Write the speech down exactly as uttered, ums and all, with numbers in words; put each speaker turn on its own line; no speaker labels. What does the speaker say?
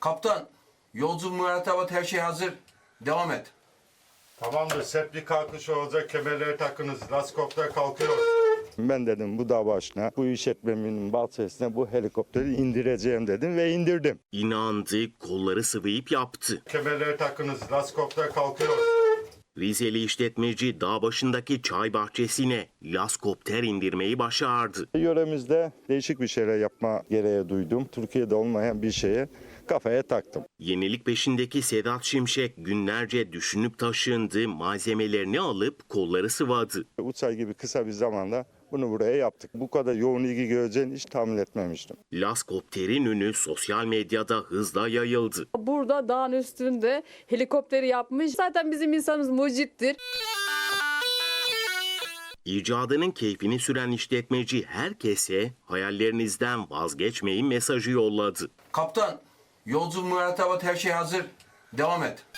Kaptan, yolcu mürettebat her şey hazır. Devam et.
Tamamdır. Sepli kalkış olacak. Kemerleri takınız. Laskopter kalkıyor.
Ben dedim bu dağ başına, bu işletmemin bahçesine bu helikopteri indireceğim dedim ve indirdim.
İnandı, kolları sıvayıp yaptı.
Kemerleri takınız. Laskopter kalkıyor.
Rizeli işletmeci dağ başındaki çay bahçesine laskopter indirmeyi başardı.
Yöremizde değişik bir şeyler yapma gereği duydum. Türkiye'de olmayan bir şeye kafaya taktım.
Yenilik peşindeki Sedat Şimşek günlerce düşünüp taşındı, malzemelerini alıp kolları sıvadı.
Üç ay gibi kısa bir zamanda bunu buraya yaptık. Bu kadar yoğun ilgi göreceğini hiç tahmin etmemiştim.
Laskopterin ünü sosyal medyada hızla yayıldı.
Burada dağın üstünde helikopteri yapmış. Zaten bizim insanımız mucittir.
İcadının keyfini süren işletmeci herkese hayallerinizden vazgeçmeyin mesajı yolladı.
Kaptan, yolcu mürettebat her şey hazır. Devam et.